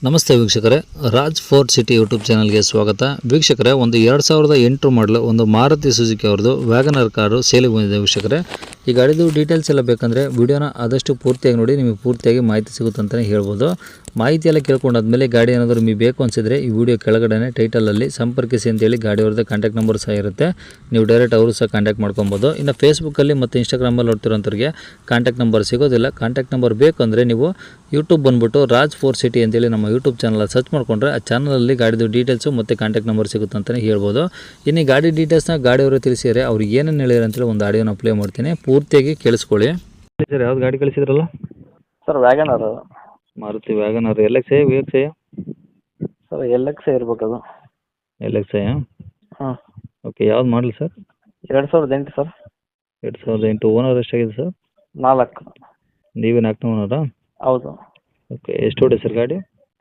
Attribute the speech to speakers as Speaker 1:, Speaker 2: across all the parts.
Speaker 1: ನಮಸ್ತೆ ವೀಕ್ಷಕರೇ, Raj fort city YouTube ಚಾನಲ್ಗೆ ಸ್ವಾಗತ. ವೀಕ್ಷಕರೇ, ಒಂದು 2008 ಮಾಡಲು ಒಂದು ಮಾರುತಿ ಸುಜುಕಿ ಅವ್ರದ್ದು ವ್ಯಾಗನರ್ ಕಾರು ಸೇಲಿಗೆ ಬಂದಿದೆ. ವೀಕ್ಷಕರೇ, ಈ ಗಾಡಿದು ಡೀಟೇಲ್ಸ್ ಎಲ್ಲ ಬೇಕಂದರೆ ವಿಡಿಯೋನ ಆದಷ್ಟು ಪೂರ್ತಿಯಾಗಿ ನೋಡಿ, ನಿಮಗೆ ಪೂರ್ತಿಯಾಗಿ ಮಾಹಿತಿ ಸಿಗುತ್ತೆ ಅಂತಲೇ ಹೇಳ್ಬೋದು. ಮಾಹಿತಿ ಎಲ್ಲ ಕೇಳ್ಕೊಂಡಾದ್ಮೇಲೆ ಗಾಡಿ ಏನಾದರೂ ನಿಮಗೆ ಬೇಕು ಅನಿಸಿದರೆ ಈ ವಿಡಿಯೋ ಕೆಳಗಡೆ ಟೈಟಲಲ್ಲಿ ಸಂಪರ್ಕಿಸಿ ಅಂತೇಳಿ ಗಾಡಿಯವ್ರದ್ದು ಕಾಂಟ್ಯಾಕ್ಟ್ ನಂಬರ್ ಸಹ ಇರುತ್ತೆ. ನೀವು ಡೈರೆಕ್ಟ್ ಅವರು ಸಹ ಕಾಂಟ್ಯಾಕ್ಟ್ ಮಾಡ್ಕೊಬೋದು. ಇನ್ನು ಫೇಸ್ಬುಕ್ಕಲ್ಲಿ ಮತ್ತು ಇನ್ಸ್ಟಾಗ್ರಾಮಲ್ಲಿ ನೋಡ್ತಿರೋಂಥವ್ರಿಗೆ ಕಾಂಟ್ಯಾಕ್ಟ್ ನಂಬರ್ ಸಿಗೋದಿಲ್ಲ. ಕಾಂಟ್ಯಾಕ್ಟ್ ನಂಬರ್ ಬೇಕಂದರೆ ನೀವು ಯೂಟ್ಯೂಬ್ ಬಂದುಬಿಟ್ಟು ರಾಜ್ ಫೋರ್ಟ್ ಸಿಟಿ ಅಂತೇಳಿ ನಮ್ಮ ಯೂಟ್ಯೂಬ್ ಚಾನಲ್ ಸರ್ಚ್ ಮಾಡಿಕೊಂಡ್ರೆ ಆ ಚಾನಲಲ್ಲಿ ಗಾಡಿದು ಡೀಟೇಲ್ಸು ಮತ್ತು ಕಾಂಟ್ಯಾಕ್ಟ್ ನಂಬರ್ ಸಿಗುತ್ತೆ ಅಂತಲೇ ಹೇಳ್ಬೋದು. ಇನ್ನು ಈ ಗಾಡಿ ಡೀಟೇಲ್ಸ್ನ ಗಾಡಿಯವರು ತಿಳಿಸಿದರೆ ಅವ್ರು ಏನೇನು ಹೇಳಿದ್ರು ಅಂತೇಳಿ ಒಂದು ಆಡಿಯೋನ ಪ್ಲೇ ಮಾಡ್ತೀನಿ, ಪೂರ್ತಿಯಾಗಿ ಕೇಳಿಸ್ಕೊಳ್ಳಿ. ಸರ್, ಯಾವ್ದು ಗಾಡಿ ಕಳಿಸಿದ್ರಲ್ಲ?
Speaker 2: Sir wagon R.
Speaker 1: Maruti wagon R LX VX?
Speaker 2: Sir LX ಇರ್ಬೇಕು ಅದು.
Speaker 1: LX?
Speaker 2: ಹಾಂ.
Speaker 1: ಓಕೆ, ಯಾವ್ದು ಮಾಡಲಿ ಸರ್?
Speaker 2: 2008 ಸರ್.
Speaker 1: 2008. ಓನರ್ ಎಷ್ಟಾಗಿದೆ ಸರ್?
Speaker 2: 4.
Speaker 1: ನೀವೇ 4ನೇ ಓನರಾ?
Speaker 2: ಹೌದು.
Speaker 1: ಓಕೆ, ಎಷ್ಟು ಹೊಡೆ ಸರ್ ಗಾಡಿ?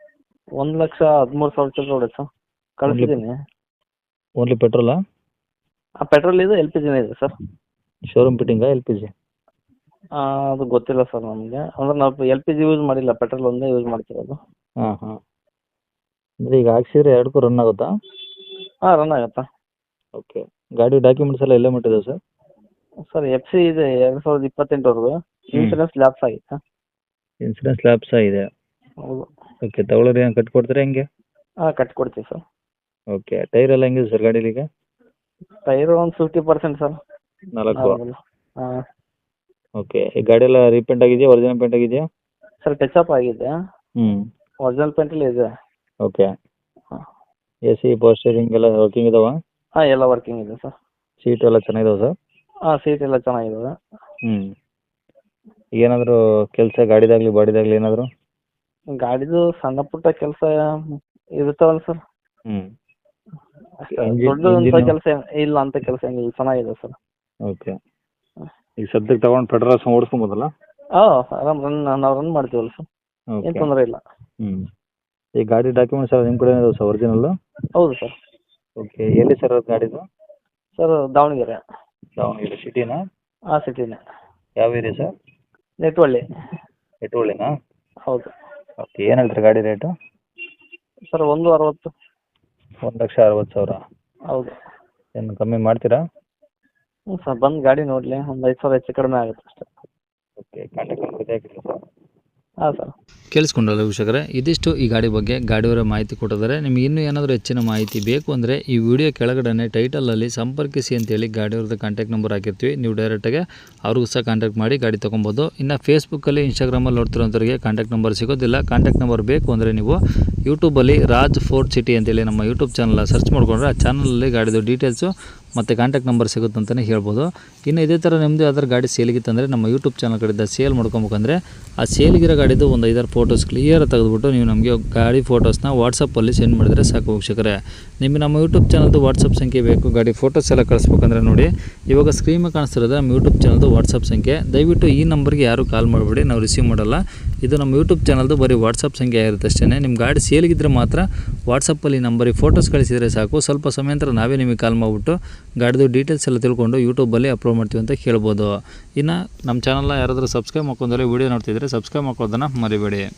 Speaker 2: 1,13,000 ಚಿಲ್ಲರೆ ಹೊಡೆ ಸರ್. ಕಳಿಸಿದ್ದೀನಿ.
Speaker 1: ಓನ್ಲಿ ಪೆಟ್ರೋಲಾ?
Speaker 2: ಪೆಟ್ರೋಲ್ ಇದೆ, LPG ಇದೆ ಸರ್.
Speaker 1: ಶೋರೂಮ್ ಫಿಟ್ಟಿಂಗಾ LPG?
Speaker 2: ಅದು ಗೊತ್ತಿಲ್ಲ ಸರ್ ನಮಗೆ. ಅಂದ್ರೆ ನಾವು LPG ಯೂಸ್ ಮಾಡಿಲ್ಲ, ಪೆಟ್ರೋಲ್ ಒಂದೇ ಯೂಸ್ ಮಾಡ್ತಿರೋದು.
Speaker 1: ಹಾಂ ಹಾಂ. ಅಂದರೆ ಈಗ ಹಾಕ್ಸಿದ್ರೆ ಎರಡಕ್ಕೂ ರನ್ ಆಗುತ್ತಾ?
Speaker 2: ಹಾಂ, ರನ್ ಆಗುತ್ತಾ.
Speaker 1: ಓಕೆ, ಗಾಡಿ ಡಾಕ್ಯುಮೆಂಟ್ಸ್ ಎಲ್ಲ ಮಟ್ಟಿದೆ ಸರ್?
Speaker 2: ಸರ್ FC ಇದೆ 2028ವರೆಗೂ. ಇನ್ಸೂರೆನ್ಸ್ ಲ್ಯಾಪ್ಸ್ ಆಗಿತ್ತಾ?
Speaker 1: ಇನ್ಸೂರೆನ್ಸ್ ಲ್ಯಾಪ್ಸ್ ಆಗಿದೆ.
Speaker 2: ಹೌದು.
Speaker 1: ಓಕೆ, ತಗೊಳ್ಳೋರು ಏನು ಕಟ್ಕೊಡ್ತಾರೆ ಹೆಂಗೆ?
Speaker 2: ಹಾಂ, ಕಟ್ಕೊಡ್ತೀವಿ ಸರ್.
Speaker 1: ಓಕೆ, ಟೈರ್ ಎಲ್ಲ ಹೆಂಗಿದೆ ಸರ್ ಗಾಡೀಲಿ ಈಗ?
Speaker 2: ಟೈರು ಒಂದು 50% ಸರ್.
Speaker 1: 4?
Speaker 2: ಹಾಂ.
Speaker 1: ಓಕೆ, ಈ ಗಾಡಿ ಎಲ್ಲ ರೀಪೇಂಟ್ ಆಗಿದೆಯಾ, ಒರಿಜಿನಲ್ ಪೇಂಟ್ ಆಗಿದೆಯಾ?
Speaker 2: ಸರ್ ಟಚಪ್ ಆಗಿದೆ.
Speaker 1: ಹ್ಞೂ.
Speaker 2: ಒರಿಜಿನಲ್ ಪೇಂಟಲ್ಲಿ ಇದೆ.
Speaker 1: ಓಕೆ.
Speaker 2: ಹಾಂ.
Speaker 1: AC ಪವರ್ ಸ್ಟೇರಿಂಗ್ ಎಲ್ಲ ವರ್ಕಿಂಗ್ ಇದಾವ?
Speaker 2: ಹಾಂ, ಎಲ್ಲ ವರ್ಕಿಂಗ್ ಇದೆ ಸರ್.
Speaker 1: ಸೀಟು ಎಲ್ಲ ಚೆನ್ನಾಗಿದಾವೆ ಸರ್?
Speaker 2: ಹಾಂ, ಸೀಟ್ ಎಲ್ಲ ಚೆನ್ನಾಗಿದ್ದಾವೆ.
Speaker 1: ಹ್ಞೂ. ಏನಾದರೂ ಕೆಲಸ ಗಾಡಿದಾಗಲಿ ಬಾಡಿದಾಗಲಿ ಏನಾದರೂ?
Speaker 2: ಗಾಡಿದು ಸಣ್ಣ ಪುಟ್ಟ ಕೆಲಸ ಇರ್ತಾವಲ್ಲ ಸರ್.
Speaker 1: ಹ್ಞೂ.
Speaker 2: ದೊಡ್ಡದಂತ ಕೆಲಸ ಇಲ್ಲ, ಅಂತ ಕೆಲಸ ಏನಿಲ್ಲ, ಚೆನ್ನಾಗಿದೆ ಸರ್.
Speaker 1: ಓಕೆ. ಈಗ ಸದ್ಯಕ್ಕೆ ತಗೊಂಡು ಪೆಟ್ರೋಲ್ ಓಡಿಸ್ಕೊಬೋದಲ್ಲ?
Speaker 2: ಹಾಂ, ಆರಾಮ್ ನಾವು ರನ್ ಮಾಡ್ತೀವಲ್ಲ ಸರ್, ಏನು
Speaker 1: ಓಕೆ.
Speaker 2: ತೊಂದರೆ ಇಲ್ಲ.
Speaker 1: ಹ್ಞೂ. ಈ ಗಾಡಿ ಡಾಕ್ಯುಮೆಂಟ್ಸ್ ಎಲ್ಲ ನಿಮ್ಮ ಕಡೆ ಇದಾವೆ ಸರ್, ಒರಿಜಿನಲ್ಲು?
Speaker 2: ಹೌದು ಸರ್.
Speaker 1: ಓಕೆ, ಎಲ್ಲಿ ಸರ್ ಅದು ಗಾಡಿದು?
Speaker 2: ಸರ್ ದಾವಣಗೆರೆ.
Speaker 1: ದಾವಣಗೆರೆ ಸಿಟಿನಾ?
Speaker 2: ಹಾಂ, ಸಿಟಿನೇ.
Speaker 1: ಯಾವ ಏರಿಯಾ ಸರ್?
Speaker 2: ನೆಟ್ವಳ್ಳಿ.
Speaker 1: ಎಟುವಳ್ಳಿನಾ?
Speaker 2: ಹೌದು.
Speaker 1: ಓಕೆ, ಏನು ಹೇಳ್ತೀರಾ ಗಾಡಿ ರೇಟು?
Speaker 2: ಸರ್ 1,60,000.
Speaker 1: 1,60,000?
Speaker 2: ಹೌದು.
Speaker 1: ಏನು ಕಮ್ಮಿ ಮಾಡ್ತೀರಾ?
Speaker 2: ಹ್ಞೂ ಸರ್, ಬಂದು ಗಾಡಿ ನೋಡಲಿ, ಒಂದು 5,000 ಹೆಚ್ಚು ಕಡಿಮೆ ಆಗುತ್ತೆ ಅಷ್ಟೇ.
Speaker 1: ಓಕೆ, ಕಾಂಟ್ಯಾಕ್ಟ್ ನಂಬರ್ ಇದೆ ಹಾಕಿಲ್ಲ ಸರ್?
Speaker 2: ಹಾಂ ಸರ್.
Speaker 1: ಕೇಳಿಸ್ಕೊಂಡಲ್ಲ ವೀಕ್ಷಕರೇ, ಇದಿಷ್ಟು ಈ ಗಾಡಿ ಬಗ್ಗೆ ಗಾಡಿಯವರ ಮಾಹಿತಿ ಕೊಟ್ಟಿದ್ದಾರೆ. ನಿಮಗೆ ಇನ್ನೂ ಏನಾದರೂ ಹೆಚ್ಚಿನ ಮಾಹಿತಿ ಬೇಕು ಅಂದರೆ ಈ ವಿಡಿಯೋ ಕೆಳಗಡೆ ಟೈಟಲಲ್ಲಿ ಸಂಪರ್ಕಿಸಿ ಅಂತೇಳಿ ಗಾಡಿಯವ್ರದ್ದು ಕಾಂಟ್ಯಾಕ್ಟ್ ನಂಬರ್ ಹಾಕಿರ್ತೀವಿ. ನೀವು ಡೈರೆಕ್ಟಾಗಿ ಅವ್ರಿಗೂ ಸಹ ಕಾಂಟ್ಯಾಕ್ಟ್ ಮಾಡಿ ಗಾಡಿ ತೊಗೊಬೋದು. ಇನ್ನು ಫೇಸ್ಬುಕ್ಕಲ್ಲಿ ಇನ್ಸ್ಟಾಗ್ರಾಮಲ್ಲಿ ನೋಡ್ತಿರೋಂಥವ್ರಿಗೆ ಕಾಂಟ್ಯಾಕ್ಟ್ ನಂಬರ್ ಸಿಗೋದಿಲ್ಲ. ಕಾಂಟ್ಯಾಕ್ಟ್ ನಂಬರ್ ಬೇಕು ಅಂದರೆ ನೀವು ಯೂಟ್ಯೂಬಲ್ಲಿ ರಾಜ್ ಫೋರ್ಟ್ ಸಿಟಿ ಅಂತೇಳಿ ನಮ್ಮ ಯೂಟ್ಯೂಬ್ ಚಾನಲ್ ಸರ್ಚ್ ಮಾಡಿಕೊಂಡ್ರೆ ಆ ಚಾನಲಲ್ಲಿ ಗಾಡಿದು ಡೀಟೇಲ್ಸು ಮತ್ತು ಕಾಂಟ್ಯಾಕ್ಟ್ ನಂಬರ್ ಸಿಗುತ್ತೆ ಅಂತಲೇ ಹೇಳ್ಬೋದು. ಇನ್ನು ಇದೇ ಥರ ನಿಮ್ಮದು ಯಾವ್ದಾರು ಗಾಡಿ ಸೇಲಿಗಿತ್ತಂದರೆ ನಮ್ಮ ಯೂಟ್ಯೂಬ್ ಚಾನಲ್ ಕಡೆಯಿಂದ ಸೇಲ್ ಮಾಡ್ಕೊಬೇಕಂದ್ರೆ ಆ ಸೇಲಿಗಿರೋ ಗಾಡಿದು ಒಂದು 5-6 ಫೋಟೋಸ್ ಕ್ಲಿಯರ್ ತೆಗೆದುಬಿಟ್ಟು ನೀವು ನಮಗೆ ಗಾಡಿ ಫೋಟೋಸ್ನ ವಾಟ್ಸಪ್ಪಲ್ಲಿ ಸೆಂಡ್ ಮಾಡಿದರೆ ಸಾಕು ವೀಕ್ಷಕರೇ. ನಿಮಗೆ ನಮ್ಮ ಯೂಟ್ಯೂಬ್ ಚಾನಲ್ದು ವಾಟ್ಸಪ್ ಸಂಖ್ಯೆ ಬೇಕು, ಗಾಡಿ ಫೋಟೋಸ್ ಎಲ್ಲ ಕಳಿಸ್ಬೇಕಂದ್ರೆ ನೋಡಿ ಇವಾಗ ಸ್ಕ್ರೀನ್ ಮೇಲೆ ಕಾಣಿಸ್ತಿರೋದು ನಮ್ಮ ಯೂಟ್ಯೂಬ್ ಚಾನಲ್ದು ವಾಟ್ಸಪ್ ಸಂಖ್ಯೆ. ದಯವಿಟ್ಟು ಈ ನಂಬರ್ಗೆ ಯಾರು ಕಾಲ್ ಮಾಡಬೇಡಿ, ನಾವು ರಿಸೀವ್ ಮಾಡಲ್ಲ. ಇದು ನಮ್ಮ ಯೂಟ್ಯೂಬ್ ಚಾನಲ್ದು ಬರೀ ವಾಟ್ಸಪ್ ಸಂಖ್ಯೆ ಆಗಿರುತ್ತೆ ಅಷ್ಟೇ. ನಿಮ್ಮ ಗಾಡಿ ಸೇಲಿಗಿದ್ರೆ ಮಾತ್ರ ವಾಟ್ಸಪ್ಪಲ್ಲಿ ನಂಬರಿಗೆ ಫೋಟೋಸ್ ಕಳಿಸಿದರೆ ಸಾಕು. ಸ್ವಲ್ಪ ಸಮಯ ನಂತರ ನಾವೇ ನಿಮಗೆ ಕಾಲ್ ಮಾಡಿಬಿಟ್ಟು ಗಾಡಿದು ಡೀಟೇಲ್ಸ್ ಎಲ್ಲ ತಿಳ್ಕೊಂಡು ಯೂಟ್ಯೂಬಲ್ಲಿ ಅಪ್ಲೋಡ್ ಮಾಡ್ತೀವಿ ಅಂತ ಹೇಳ್ಬೋದು. ಇನ್ನು ನಮ್ಮ ಚಾನಲ್ನ ಯಾರಾದರೂ ಸಬ್ಸ್ಕ್ರೈಬ್ ಮಾಡ್ಕೊಂಡ್ರೆ ವೀಡಿಯೋ ನೋಡ್ತಿದ್ರೆ ಸಬ್ಸ್ಕ್ರೈಬ್ ಮಾಡ್ಕೊಳ್ಳೋದನ್ನು ಮರಿಬೇಡಿ.